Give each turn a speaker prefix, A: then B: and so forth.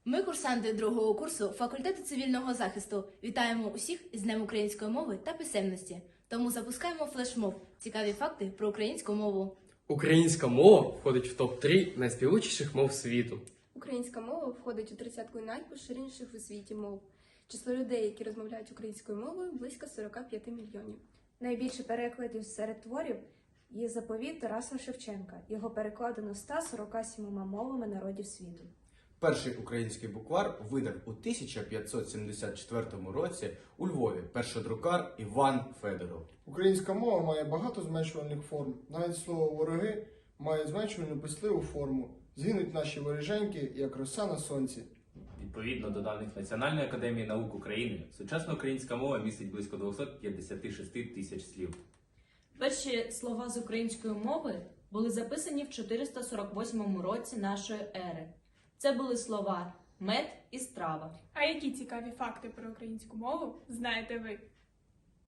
A: Ми, курсанти другого курсу факультету цивільного захисту, вітаємо усіх з Днем української мови та писемності. Тому запускаємо флешмоб «Цікаві факти про українську мову».
B: Українська мова входить в топ-3 найспівучіших мов світу.
C: Українська мова входить у 30-ку найпоширеніших у світі мов. Число людей, які розмовляють українською мовою, близько 45 мільйонів.
D: Найбільше перекладів серед творів є заповіт Тараса Шевченка. Його перекладено 147 мовами народів світу.
E: Перший український буквар видав у 1574 році у Львові першодрукар Іван Федоров.
F: Українська мова має багато зменшувальних форм. Навіть слово «вороги» має зменшувальну писливу форму. Згинуть наші воріженьки, як роса на сонці.
G: Відповідно до даних Національної академії наук України, сучасна українська мова містить близько 256 тисяч слів.
H: Перші слова з української мови були записані в 448 році нашої ери. Це були слова «мед» і «страва».
I: А які цікаві факти про українську мову знаєте ви?